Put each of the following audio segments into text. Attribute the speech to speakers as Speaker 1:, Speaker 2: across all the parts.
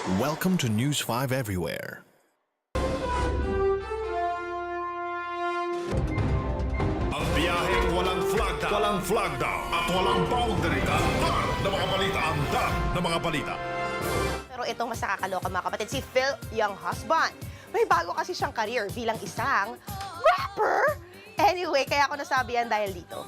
Speaker 1: Welcome to News 5 Everywhere.
Speaker 2: Ang biyaheng walang flag down at walang boundary. Antar na mga balita, antar na mga balita.
Speaker 3: Pero itong mas nakakaloka mga kapatid, si Phil Younghusband. May bago kasi siyang career bilang isang rapper. Anyway, kaya ako nasabihan dahil dito.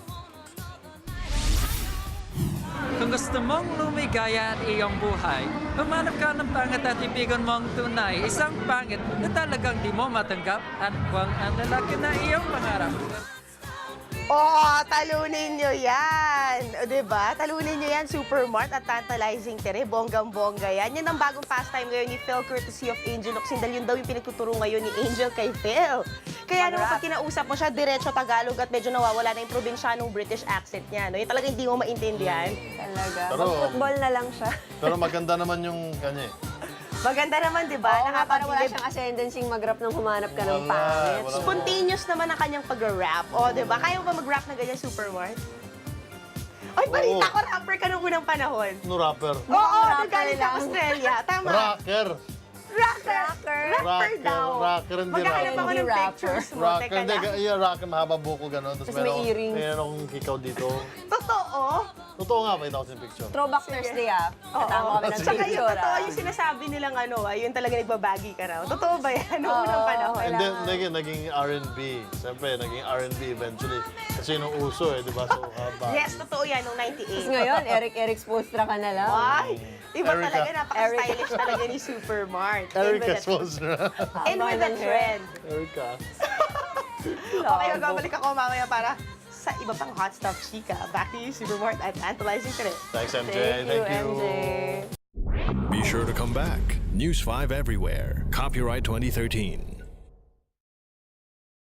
Speaker 4: Kung gusto mong lumigaya at iyong buhay, humanap ka ng pangit at ibigan mong tunay. Isang pangit na talagang di mo matanggap at huwag ang lalaki na iyong pangarap.
Speaker 3: Oh, talunin nyo yan. O, diba? Talunin nyo yan, Supermart at Tantalizing Tere. Bonggang-bongga yan. Yan ang bagong pastime ngayon ni Phil, courtesy of Angel Locsin. Dahil yun daw yung pinagtuturo ngayon ni Angel kay Phil. Kaya naman pag kinausap mo siya, diretso Tagalog at medyo nawawala na yung probinsyanong British accent niya. No? Yung talagang hindi mo maintindihan.
Speaker 5: Talaga.
Speaker 6: Pero-
Speaker 5: Mag-football na lang siya.
Speaker 6: Pero maganda naman yung kanya eh.
Speaker 3: Maganda naman, di ba?
Speaker 5: Oo nga, para wala
Speaker 3: Nakapagbilib.
Speaker 5: siyang ascendancy mag-rap nang humanap ka ng
Speaker 6: Wala,
Speaker 5: pangit.
Speaker 6: wala.
Speaker 3: Spontaneous naman ang kanyang pag-rap. O, di ba? Kaya mo ba mag-rap na ganyan, Supermart? Ay, balita
Speaker 6: Oo.
Speaker 3: ko, rapper ka nung unang panahon.
Speaker 6: No rapper.
Speaker 3: Oo,
Speaker 5: rapper
Speaker 3: nagaling sa
Speaker 5: lang.
Speaker 3: Australia. Tama.
Speaker 6: Rocker.
Speaker 3: Rocker. Rapper
Speaker 6: Rocker.
Speaker 3: daw.
Speaker 6: Rocker, hindi
Speaker 3: Maghahanap
Speaker 6: rapper.
Speaker 3: ako ng
Speaker 5: Hindi rapper.
Speaker 3: pictures mo.
Speaker 6: Rocker.
Speaker 3: Teka
Speaker 6: Hindi,
Speaker 3: lang.
Speaker 6: yeah, rocker, mahaba buko gano'n.
Speaker 5: Tapos may earrings.
Speaker 6: Meron akong hikaw dito.
Speaker 3: Totoo?
Speaker 6: Totoo nga, pakita ko sa picture.
Speaker 5: Throwback Thursday ah. Katama kami ng
Speaker 3: Tsaka yung
Speaker 5: picture
Speaker 3: totoo,
Speaker 5: ah.
Speaker 3: yung sinasabi nilang ano, yun talaga nagbabagi ka raw. Totoo ba yan? Noong unang
Speaker 5: Oo.
Speaker 3: panahon.
Speaker 6: And then, naging R&B. Siyempre, naging R&B eventually. Kasi nung uso eh, di ba? So, haba.
Speaker 3: Yes, totoo yan, noong
Speaker 5: Tapos
Speaker 3: 98.
Speaker 5: ngayon, Eric Spolstra ka na lang.
Speaker 3: Ay, iba
Speaker 6: Erica.
Speaker 3: talaga, napaka-stylish talaga ni Supermart.
Speaker 6: Erica Sponsor.
Speaker 3: And with the
Speaker 5: Haba ng hair.
Speaker 3: trend.
Speaker 6: Erica.
Speaker 3: Okay, magbabalik ako mamaya para sa iba pang hot stuff, chika. Back to you, Supermart at Tantalizing Tere.
Speaker 6: Thanks, MJ.
Speaker 5: Thank you, MJ.
Speaker 1: Be sure to come back. News 5 Everywhere. Copyright 2013.